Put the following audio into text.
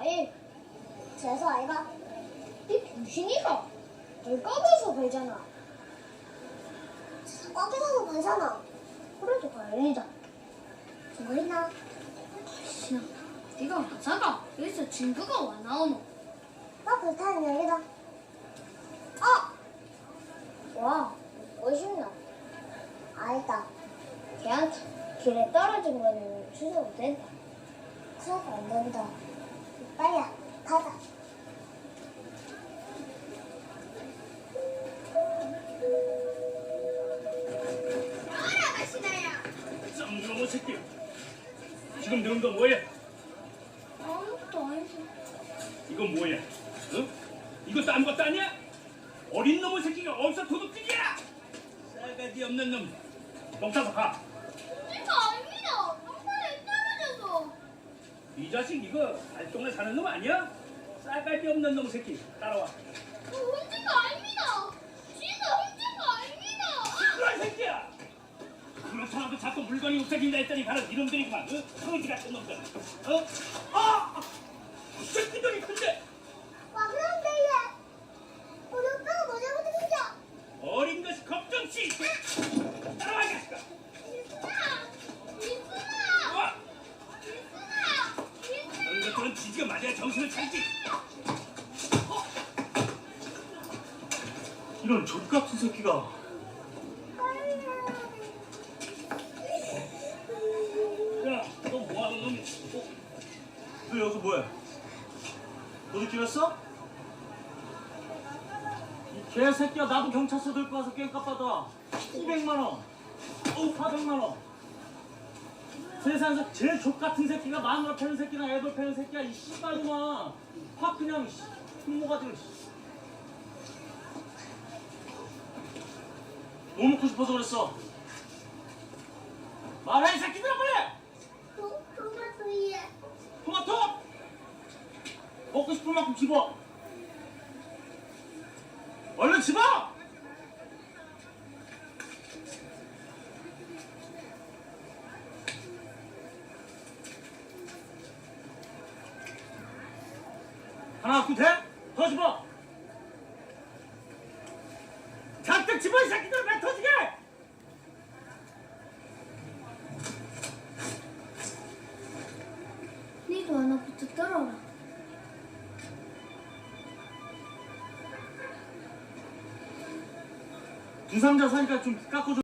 아니, 재수 아이가? 이 병신이가 널 까봐서 발잖아. 꽉해서 발잖아. 그래도 다행이다. 증거 있나? 신아, 네가 맞아가? 여기서 증거가 와 나오노? 나 불타는 여기다. 와, 멋있나? 아니다. 걔한테 길에 떨어진 거는 취소도 된다. 취소도 안 된다. 빨리 가자. 쌍놈의 새끼. 지금 넣은 거 뭐야? 아무것도 아니지. 이건 뭐야? 응? 이것도 아무것도 아니야? 어린 놈의 새끼가 어디서 도둑질이야? 싸가지 없는 놈. 경찰서 가. 내가 아닙니다. 방탄에 떨어져서. 이 자식 이거 발동네 사는 놈 아니야? 싸가지 없는 놈 새끼. 따라와. 혼자가 아닙니다. 진짜 혼자가 아닙니다. 그런 새끼야. 그렇더라도 자꾸 물건이 없어진다 했더니 바로 이놈들이구만. 응? 거지 같은 놈들. 어? 이 새끼들이 큰데. 와, 그런데 얘. 우리 오빠가 뭐 잘못했냐? 어린 것이 걱정시. 따라와 이 자식아. 와! 그런 것들은 지지가 맞아야 정신을 차리지. 이런 족같은 새끼가. 야, 너 뭐하는 놈이야? 너 여기서 뭐해? 도둑질했어? 이 개새끼야, 나도 경찰서 들고 와서 깽값 받아. 200만 원. 400만 원. 세상에서 제일 족같은 새끼가 마누라 패는 새끼나 애들 패는 새끼야. 이 씨발놈아. 확 그냥 흉모가지고. 뭐 먹고 싶어서 그랬어? 말해, 이 새끼들아, 빨리! 토마토 얘. 토마토! 먹고 싶은 만큼 집어. 얼른 집어! 하나 갖고 돼? 더 집어! 잔뜩 집어, 이 새끼들! 배 터지게! 니도 하나부터 떨어라. 두 상자 사니까 좀 깎아줘.